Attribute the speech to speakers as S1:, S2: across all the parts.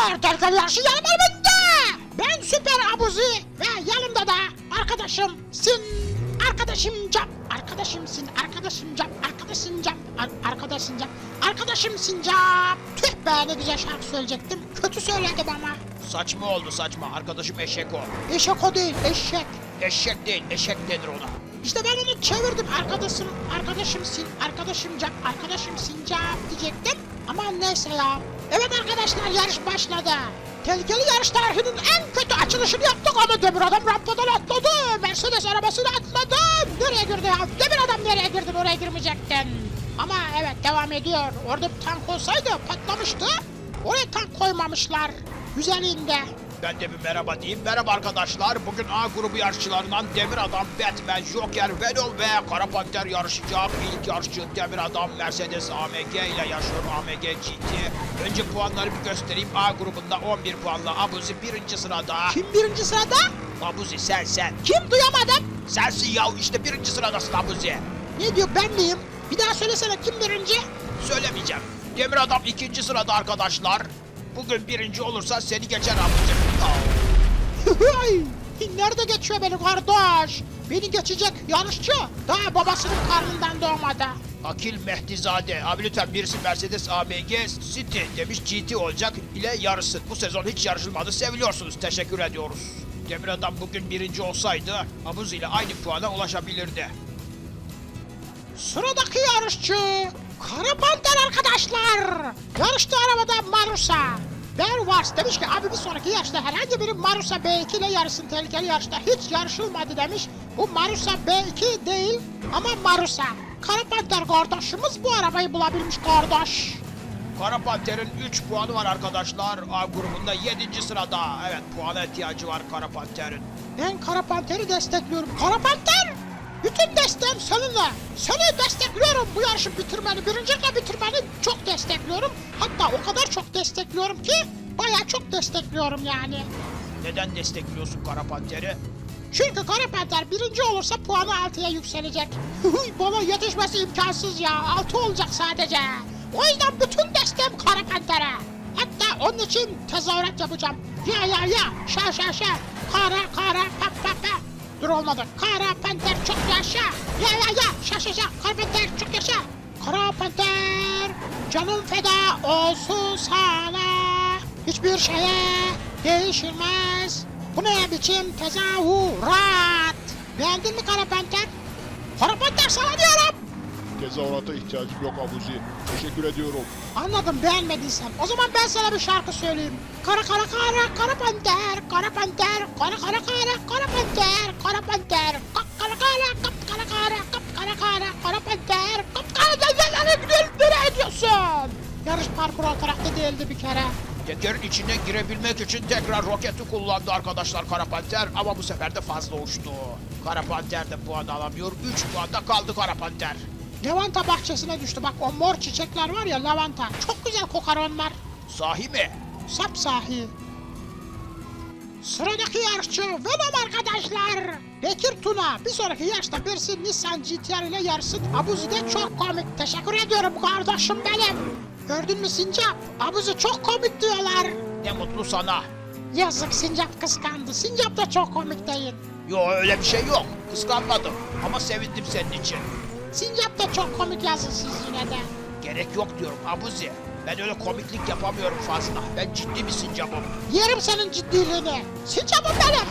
S1: Arkadaşlar tehlikeli yarışı yanım elbette. Ben Süper Abuzi ve yanımda da arkadaşım Sin. Arkadaşım Cap. Arkadaşım Sin. Arkadaşım Cap. Arkadaşım Cap. Arkadaşım Cap. Arkadaşım Sincap. Tüh be, ne güzel şarkı söyleyecektim. Kötü söyledim ama.
S2: Saçma oldu saçma. Arkadaşım eşek o.
S1: Eşek o değil, eşek.
S2: Eşek değil, eşek denir ona.
S1: İşte ben onu çevirdim. Arkadaşım Sin, arkadaşım Cap, arkadaşım Sincap diyecektim. Ama neyse ya. Evet arkadaşlar, yarış başladı. Tehlikeli yarış tarihinin en kötü açılışını yaptık ama Demir Adam rampadan atladı. Mercedes arabasını atladı. Nereye girdi ya? Demir Adam nereye girdin? Oraya girmeyecektin. Ama evet, devam ediyor. Orada bir tank olsaydı patlamıştı. Oraya tank koymamışlar. Güzelliğinde.
S2: Ben de bir merhaba diyeyim. Merhaba arkadaşlar. Bugün A grubu yarışçılarından Demir Adam, Batman, Joker, Venom ve Kara Panter yarışacak. İlk yarışçı Demir Adam Mercedes AMG ile yarışıyor. AMG GT. Önce puanları bir göstereyim. A grubunda 11 puanla Abuzi birinci sırada.
S1: Kim birinci sırada?
S2: Abuzi sen.
S1: Kim, duyamadım.
S2: Sensin ya, işte birinci sıradasın Abuzi.
S1: Ne diyor, ben miyim? Bir daha söylesene, kim birinci?
S2: Söylemeyeceğim. Demir Adam ikinci sırada arkadaşlar. Bugün birinci olursa seni geçer Abuzi.
S1: Nerede geçiyor beni kardeş? Beni geçecek yarışçı daha babasının karnından doğmadı.
S2: Akil Mehdizade. Abi lütfen birisi Mercedes AMG City demiş, GT olacak ile yarışsın. Bu sezon hiç yarışılmadı, seviliyorsunuz. Teşekkür ediyoruz. Demir Adam bugün birinci olsaydı Abuzi ile aynı puana ulaşabilirdi.
S1: Sıradaki yarışçı Kara Panter arkadaşlar. Yarıştığı arabada Marusa. Bervars demiş ki abi bir sonraki yarışta herhangi biri Marusa B2 ile yarışsın, tehlikeli yarışta hiç yarışılmadı demiş. Bu Marusa B2 değil ama Marusa. Kara Panter kardeşimiz bu arabayı bulabilmiş kardeş.
S2: Kara Panter'in 3 puanı var arkadaşlar. A grubunda 7. sırada. Evet, puana ihtiyacı var Kara Panter'in.
S1: Ben Kara Panter'i destekliyorum. Kara Panter! Bütün desteğim seninle. Seni destekliyorum, bu yarışı bitirmeni, birincilikle bitirmeni çok destekliyorum. Hatta o kadar çok destekliyorum ki bayağı çok destekliyorum yani.
S2: Neden destekliyorsun Kara Panter'i?
S1: Çünkü Kara Panter birinci olursa puanı 6'ya yükselecek. Bana yetişmesi imkansız ya, 6 olacak sadece. O yüzden bütün desteğim Kara Panter'e. Hatta onun için tezahürat yapacağım. Ya, şa. Kara, pa. Dur, olmadı. Kara Panter çok yaşa. Ya, şa. Kara Panter çok yaşa. Kara Panter, canım feda olsun sana. Hiçbir şeye değişilmez. Bu ne biçim tezahürat? Beğendin mi Kara Panter? Kara Panter sana diyorum.
S3: Tezahürata ihtiyacım yok Abuzi. Teşekkür ediyorum.
S1: Anladım, beğenmediysen. O zaman ben sana bir şarkı söyleyeyim. Kara Panter, Kara Panter, Kara Panter, Kara Panter, Kara Panter, Kara Panter, nereye gidiyorsun? Yarış parkuru o tarafta değildi bir kere.
S2: Tekerin içine girebilmek için tekrar roketi kullandı arkadaşlar Kara Panter, ama bu sefer de fazla uçtu. Kara Panter de puan alamıyor. 3 puanda kaldı Kara Panter.
S1: Lavanta bahçesine düştü. Bak o mor çiçekler var ya, lavanta. Çok güzel kokar onlar.
S2: Sahi mi?
S1: Sapsahi. Sıradaki yarışçı Venom arkadaşlar. Bekir Tuna. Bir sonraki yarışta birisi Nissan GT-R ile yarışsın. Abuzi de çok komik. Teşekkür ediyorum kardeşim benim. Gördün mü Sincap? Abuzi çok komik diyorlar.
S2: Ne mutlu sana.
S1: Yazık, Sincap kıskandı. Sincap da çok komik değil.
S2: Yo, öyle bir şey yok. Kıskanmadım ama sevindim senin için.
S1: Sincap da çok komik yazın yine de.
S2: Gerek yok diyorum Abuzi. Ben öyle komiklik yapamıyorum fazla. Ben ciddi bir sincapım.
S1: Yerim senin ciddiliğini. Sincap'ım benim.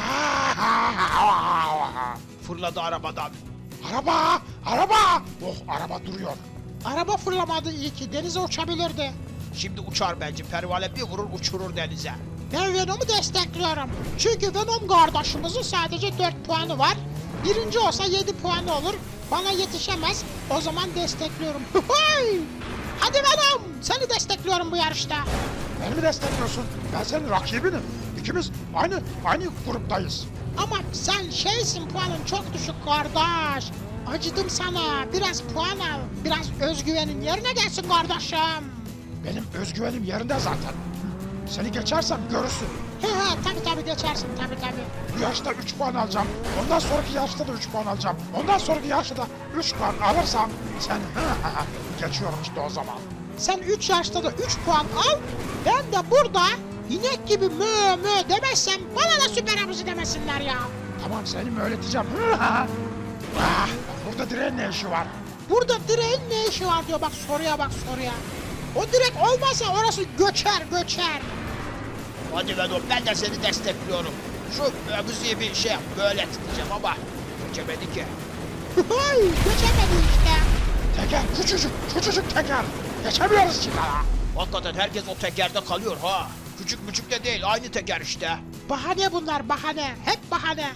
S2: Fırladı arabadan.
S3: Araba! Oh, araba duruyor.
S1: Araba fırlamadı iyi ki. Denize uçabilirdi.
S2: Şimdi uçar bence. Pervane bir vurur uçurur denize.
S1: Ben Venom'u destekliyorum. Çünkü Venom kardeşimizin sadece 4 puanı var. Birinci olsa 7 puanı olur. Bana yetişemez. O zaman destekliyorum. Hadi Venom! Seni destekliyorum bu yarışta.
S3: Beni mi destekliyorsun? Ben senin rakibinim. İkimiz aynı gruptayız.
S1: Ama sen şeysin, puanın çok düşük kardeş. Acıdım sana. Biraz puan al. Biraz özgüvenin yerine gelsin kardeşim.
S3: Benim özgüvenim yerinde zaten. Seni geçersem görürsün.
S1: He tabii geçersin tabii.
S3: Bu yarışta 3 puan alacağım. Ondan sonraki yarışta da 3 puan alacağım. Ondan sonraki yarışta da 3 puan alırsam sen geçiyorum işte o zaman.
S1: Sen 3 yarışta da 3 puan al. Ben de burada İnek gibi mö mö demezsem bana da süper abuzi demesinler ya.
S3: Tamam seni mi öğreteceğim? Ah, burada direğin ne işi var?
S1: Burada direğin ne işi var diyor, bak soruya bak soruya. O direk olmasa orası göçer göçer.
S2: Hadi Venom, ben de seni destekliyorum. Şu Abuzi'ye bir şey yap, böyle tutacağım ama geçemedi ki.
S1: Hay, geçemedi işte.
S3: Teker küçücük teker. Geçemiyoruz ki daha.
S2: Hakikaten herkes o tekerde kalıyor ha. Küçük müçük de değil, aynı teker işte.
S1: Bahane bunlar, bahane. Hep bahane.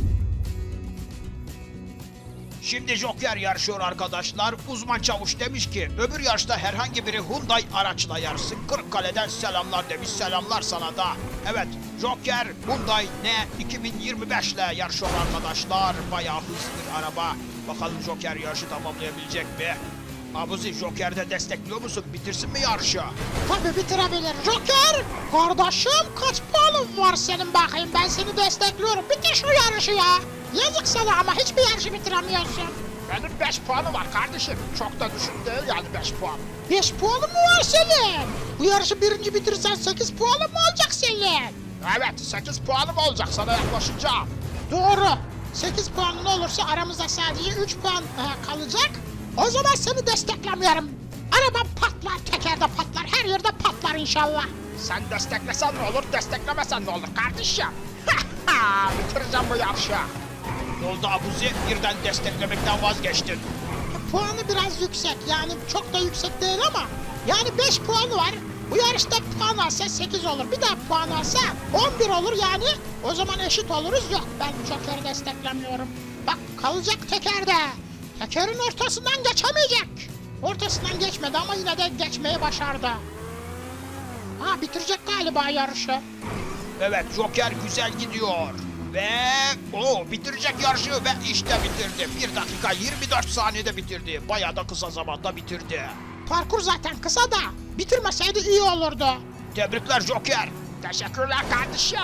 S2: Şimdi Joker yarışıyor arkadaşlar. Uzman çavuş demiş ki öbür yarışta herhangi biri Hyundai araçla yarışsın. Kırıkkale'den selamlar demiş. Selamlar sana da. Evet, Joker Hyundai N2025 ile yarışıyor arkadaşlar. Bayağı hızlı bir araba. Bakalım Joker yarışı tamamlayabilecek mi? Abuzi, Joker'de destekliyor musun? Bitirsin mi yarışı?
S1: Tabii bitirebilir. Joker! Kardeşim kaç puanın var senin bakayım? Ben seni destekliyorum. Bitir şu yarışı ya. Yazık sana ama hiçbir yarışı bitiremiyorsun.
S3: Benim 5 puanım var kardeşim. Çok da düşük değil yani 5 puan.
S1: 5 puanın mı var senin? Bu yarışı birinci bitirirsen 8 puanın mı olacak senin?
S3: Evet 8 puanım olacak sana yaklaşınca.
S1: Doğru. 8 puanın olursa aramızda sadece 3 puan kalacak. O zaman seni desteklemiyorum. Arabam patlar, tekerde patlar, her yerde patlar inşallah.
S3: Sen desteklesen ne olur, desteklemesen ne olur kardeşim? Bitireceğim bu yarışı.
S2: Ne oldu Abuzi? Birden desteklemekten vazgeçtin.
S1: Puanı biraz yüksek, yani çok da yüksek değil ama yani 5 puanı var. Bu yarışta puan alsa 8 olur. Bir daha puan alsa 11 olur yani. O zaman eşit oluruz. Yok, ben Joker'i desteklemiyorum. Bak kalacak tekerde. Tekerin ortasından geçemeyecek. Ortasından geçmedi ama yine de geçmeyi başardı. Ha, bitirecek galiba yarışı.
S2: Evet, Joker güzel gidiyor. Ve o bitirecek yarışı ve işte bitirdi. 1 dakika 24 saniyede bitirdi. Bayağı da kısa zamanda bitirdi.
S1: Parkur zaten kısa da bitirmeseydi iyi olurdu.
S2: Tebrikler Joker.
S3: Teşekkürler kardeşim.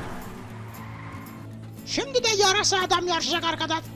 S1: Şimdi de yarasa adam yarışacak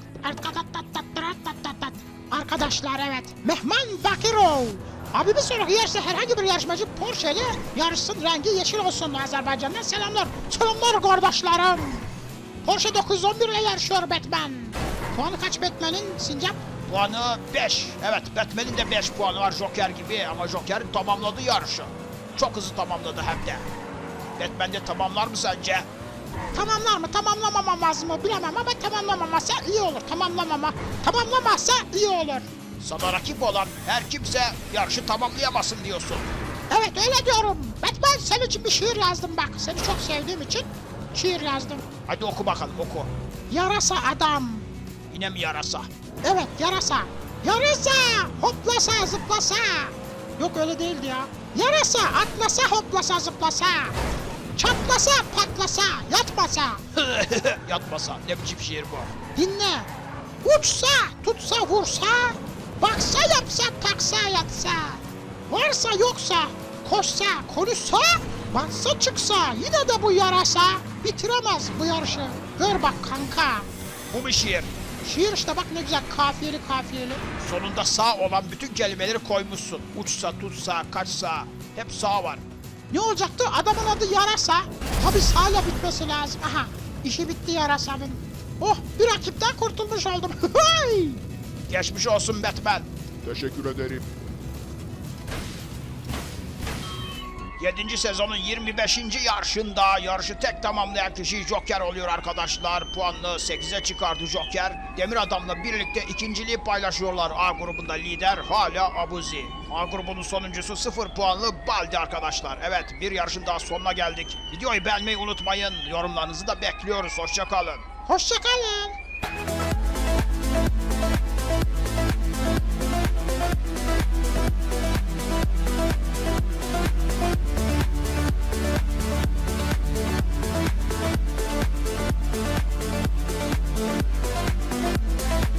S1: arkadaşlar, evet. Mehman Bakirov. Abi bir sonraki yarışta herhangi bir yarışmacı Porsche ile yarışsın, rengi yeşil olsun. Azerbaycan'dan selamlar. Selamlar kardeşlerim. Porsche 911 ile yarışıyor Batman. Puanı kaç Batman'in Sincap?
S2: Puanı 5. Evet, Batman'in de 5 puanı var Joker gibi ama Joker tamamladı yarışı. Çok hızlı tamamladı hem de. Batman de tamamlar mı sence?
S1: Tamamlar mı tamamlamamaz mı bilemem ama tamamlamamazsa iyi olur. Tamamlamazsa iyi olur.
S2: Sana rakip olan her kimse yarışı tamamlayamasın diyorsun.
S1: Evet öyle diyorum. Batman, senin için bir şiir yazdım bak. Seni çok sevdiğim için şiir yazdım.
S2: Hadi oku bakalım, oku.
S1: Yarasa adam.
S2: Yine mi yarasa?
S1: Evet yarasa. Yarasa hoplasa zıplasa. Yok öyle değildi ya. Yarasa atlasa hoplasa zıplasa. Çatlasa patlasa yatmasa.
S2: Yatmasa. Ne biçim şiir bu?
S1: Dinle. Uçsa tutsa vursa. Baksa yapsa taksa yatsa. Varsa yoksa koşsa konuşsa. Batsa çıksa yine de bu yarasa bitiremez bu yarışı. Gör bak kanka.
S2: Bu mu şiir?
S1: Şiir işte bak ne güzel, kafiyeli kafiyeli.
S2: Sonunda sağ olan bütün kelimeleri koymuşsun. Uçsa, tutsa, kaçsa. Hep sağ var.
S1: Ne olacaktı? Adamın adı yarasa. Tabi sağla bitmesi lazım. Aha, işi bitti yarasanın. Oh, bir rakipten kurtulmuş oldum.
S2: Geçmiş olsun Batman.
S3: Teşekkür ederim.
S2: 7. sezonun 25. yarışında yarışı tek tamamlayan kişi Joker oluyor arkadaşlar. Puanını 8'e çıkardı Joker. Demir Adam'la birlikte ikinciliği paylaşıyorlar. A grubunda lider hala Abuzi. A grubunun sonuncusu 0 puanlı Baldi arkadaşlar. Evet, bir yarışın daha sonuna geldik. Videoyu beğenmeyi unutmayın. Yorumlarınızı da bekliyoruz. Hoşça kalın.
S1: Hoşçakalın.